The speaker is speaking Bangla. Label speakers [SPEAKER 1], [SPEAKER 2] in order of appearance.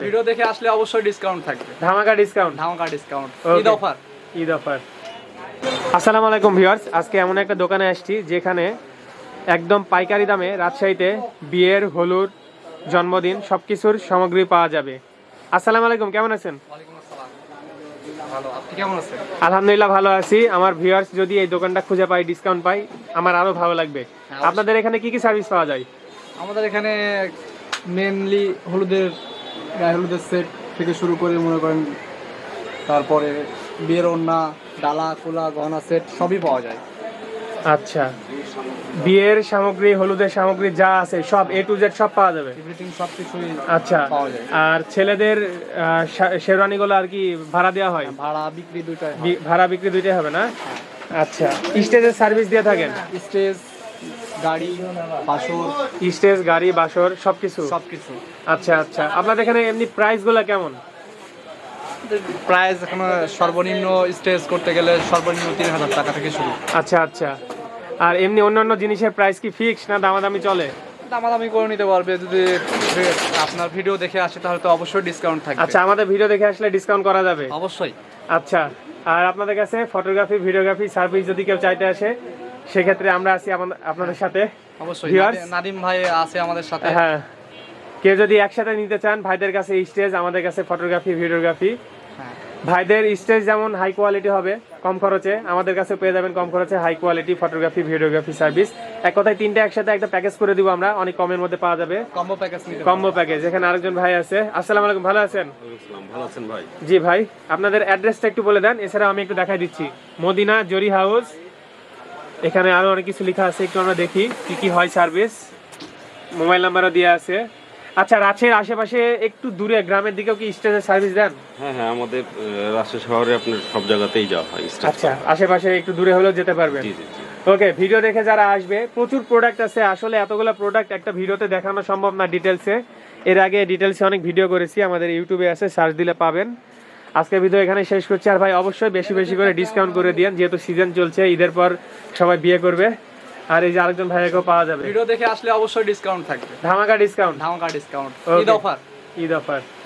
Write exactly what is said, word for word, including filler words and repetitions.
[SPEAKER 1] ভিডিও দেখে আসলে অবশ্যই ডিসকাউন্ট থাকবে,
[SPEAKER 2] ধামাকা ডিসকাউন্ট,
[SPEAKER 1] ধামাকা discount,
[SPEAKER 2] Okay.
[SPEAKER 1] Eid offer.
[SPEAKER 2] Eid offer. আসসালামু আলাইকুম ভিউয়ার্স, আজকে এমন একটা দোকানে আসছি যেখানে একদম পাইকারি দামে রাজশাহীতে বিয়ের, হলুদ, জন্মদিন সবকিছুর সামগ্রী পাওয়া যাবে। আসসালামু আলাইকুম, কেমন আছেন?
[SPEAKER 1] ওয়ালাইকুম আসসালাম, ভালো, আপনি কেমন আছেন?
[SPEAKER 2] আলহামদুলিল্লাহ ভালো আছি। আমার ভিউয়ার্স যদি এই দোকানটা খুঁজে পাই, ডিসকাউন্ট পাই, আমার আরো ভালো লাগবে।
[SPEAKER 1] অবশ্যই।
[SPEAKER 2] আপনাদের এখানে কি কি সার্ভিস পাওয়া যায়?
[SPEAKER 1] আমাদের এখানে মেনলি হলুদের, গায়ে হলুদের সেট থেকে শুরু করে মনে করেন, তারপরে বিয়ের ওড়না, ডালা, কোলা, গহনা সেট সবই পাওয়া যায়।
[SPEAKER 2] আচ্ছা, বিয়ের সামগ্রী, হলুদের সামগ্রী যা আছে সব এ টু জেড সব পাওয়া যাবে।
[SPEAKER 1] এভরিথিং সব কিছুই
[SPEAKER 2] আচ্ছা,
[SPEAKER 1] পাওয়া যায়।
[SPEAKER 2] আর ছেলেদের আহ, শা- শেরওয়ানিগুলো আর কি ভাড়া দেওয়া হয়?
[SPEAKER 1] ভাড়া বিক্রি দুইটাই হয়।
[SPEAKER 2] বি- ভাড়া বিক্রি দুইটাই হবে না? আচ্ছা, স্টেজের সার্ভিস দিয়ে থাকেন?
[SPEAKER 1] স্টেজ, গাড়ি, বাসর,
[SPEAKER 2] স্টেজ, গাড়ি, বাসর সবকিছু?
[SPEAKER 1] সবকিছু।
[SPEAKER 2] আচ্ছা আচ্ছা, আপনাদের এখানে এমনি প্রাইস গুলা কেমন?
[SPEAKER 1] প্রাইস এখন সর্বনিম্ন স্টেজ করতে গেলে সর্বনিম্ন তিন হাজার টাকা থেকে শুরু।
[SPEAKER 2] আচ্ছা আচ্ছা, আর এমনি অন্যান্য জিনিসের প্রাইস কি ফিক্স না দামাদামি চলে?
[SPEAKER 1] দামাদামি করে নিতে পারবে, যদি আপনার ভিডিও দেখে আসে তাহলে তো অবশ্যই ডিসকাউন্ট থাকবে।
[SPEAKER 2] আচ্ছা, আমাদের ভিডিও দেখে আসলে ডিসকাউন্ট করা যাবে?
[SPEAKER 1] অবশ্যই।
[SPEAKER 2] আচ্ছা, আর আপনাদের কাছে ফটোগ্রাফি, ভিডিওগ্রাফি সার্ভিস যদি কেউ চাইতে আসে, সেক্ষেত্রে আমরা আছি আমাদের- আপনাদের সাথে।
[SPEAKER 1] অবশ্যই
[SPEAKER 2] Viewers?
[SPEAKER 1] নাদি- নাদিম ভাই আছে আমাদের সাথে।
[SPEAKER 2] হ্যাঁ, কেউ যদি একসাথে নিতে চান, ভাইদের কাছে স্টেজ, আমাদের কাছে ফটোগ্রাফি, ভিডিওগ্রাফি।
[SPEAKER 1] হ্যাঁ,
[SPEAKER 2] ভাইদের স্টেজ যেমন হাই কোয়ালিটি হবে কম খরচে, আমাদের কাছে পেয়ে যাবেন কম খরচে high quality photography, videography service. এক কথায় তিনটা একসাথে একটা প্যাকেজ করে দিব আমরা, অনেক কমের মধ্যে পাওয়া যাবে।
[SPEAKER 1] কম্বো প্যাকেজ নিতে
[SPEAKER 2] কম্বো প্যাকেজ। এখানে আরেকজন ভাই আছে। আসসালামু আলাইকুম, ভালো আছেন?
[SPEAKER 3] ভালো আছেন ভাই?
[SPEAKER 2] জি ভাই, আপনাদের অ্যাড্রেসটা একটু বলে দেন, এছাড়া আমি একটু দেখাই দিচ্ছি। মদিনা জরি হাউস, এখানে আরো অনেক কিছু লেখা আছে, একটু আমরা দেখি কি কি হয় সার্ভিস। মোবাইল নাম্বারও দেওয়া আছে। আচ্ছা, রাজশাহীর আশেপাশে একটু দূরে গ্রামের দিকেও কি স্টেজের সার্ভিস দেন?
[SPEAKER 3] হ্যাঁ হ্যাঁ, আমাদের আহ, রাজশাহী শহরে আপনার সব জায়গাতেই যাওয়া হয় স্টেজ।
[SPEAKER 2] আচ্ছা, আশেপাশে একটু দূরে হলেও যেতে পারবেন।
[SPEAKER 3] জি জি জি।
[SPEAKER 2] ওকে, ভিডিও দেখে যারা আসবে, প্রচুর প্রোডাক্ট আছে। আসলে এতগুলো প্রোডাক্ট একটা ভিডিওতে দেখানো সম্ভব না ডিটেলসে। এর আগে ডিটেলসে অনেক ভিডিও করেছি, আমাদের ইউটিউবে আছে, সার্চ দিলে পাবেন। আজকে ভিডিও এখানে শেষ করছি। আর ভাই অবশ্যই বেশি বেশি করে ডিসকাউন্ট করে দিন, যেহেতু সিজন চলছে, ঈদের পর সবাই বিয়ে করবে। আর এই যে আরেকজন ভাইয়াকেও পাওয়া যাবে।
[SPEAKER 1] ভিডিও দেখে আসলে অবশ্যই ডিসকাউন্ট থাকবে,
[SPEAKER 2] ধামাকা ডিসকাউন্ট,
[SPEAKER 1] ধামাকা discount,
[SPEAKER 2] Okay.
[SPEAKER 1] Eid offer.
[SPEAKER 2] Eid offer.